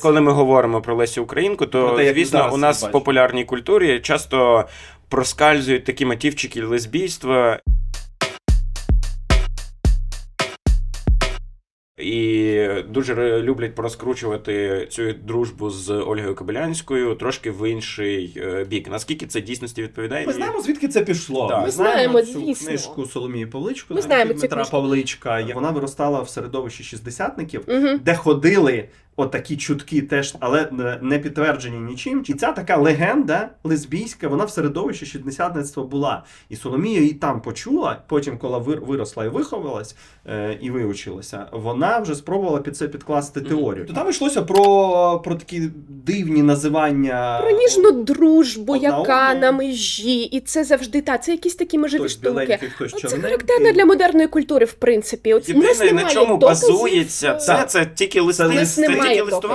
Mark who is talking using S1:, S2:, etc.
S1: Коли ми говоримо про Лесю Українку, то, звісно, у нас в популярній культурі часто проскальзують такі мотивчики лесбійства. І дуже люблять розкручувати цю дружбу з Ольгою Кобилянською трошки в інший бік. Наскільки це дійсності відповідає?
S2: Ми знаємо, звідки це пішло.
S1: Да.
S2: Ми знаємо цю
S3: звісно.
S2: книжку Соломії Павличко,
S3: Дмитра
S2: Павличка. Вона виростала в середовищі шістдесятників, де ходили отакі чутки теж, але не підтверджені нічим. І ця така легенда лесбійська, вона в середовищі шістдесятництва була. І Соломія її там почула, потім, коли виросла і виховалась, і вивчилася, вона вже спробувала під це підкласти теорію. То там йшлося про такі дивні називання.
S3: Про ніжну дружбу,
S2: одна
S3: яка
S2: одну.
S3: на межі. І це завжди, це якісь такі межеві
S2: Хтось
S3: штуки.
S2: біленький, хтось
S3: Це
S2: чорненький.
S3: характерно для модерної культури, в принципі. У нас
S1: Єдине, на
S3: немає
S1: чому
S3: доказів.
S1: базується, це тільки листи.
S3: У нас немає
S1: Тільки
S3: доказів.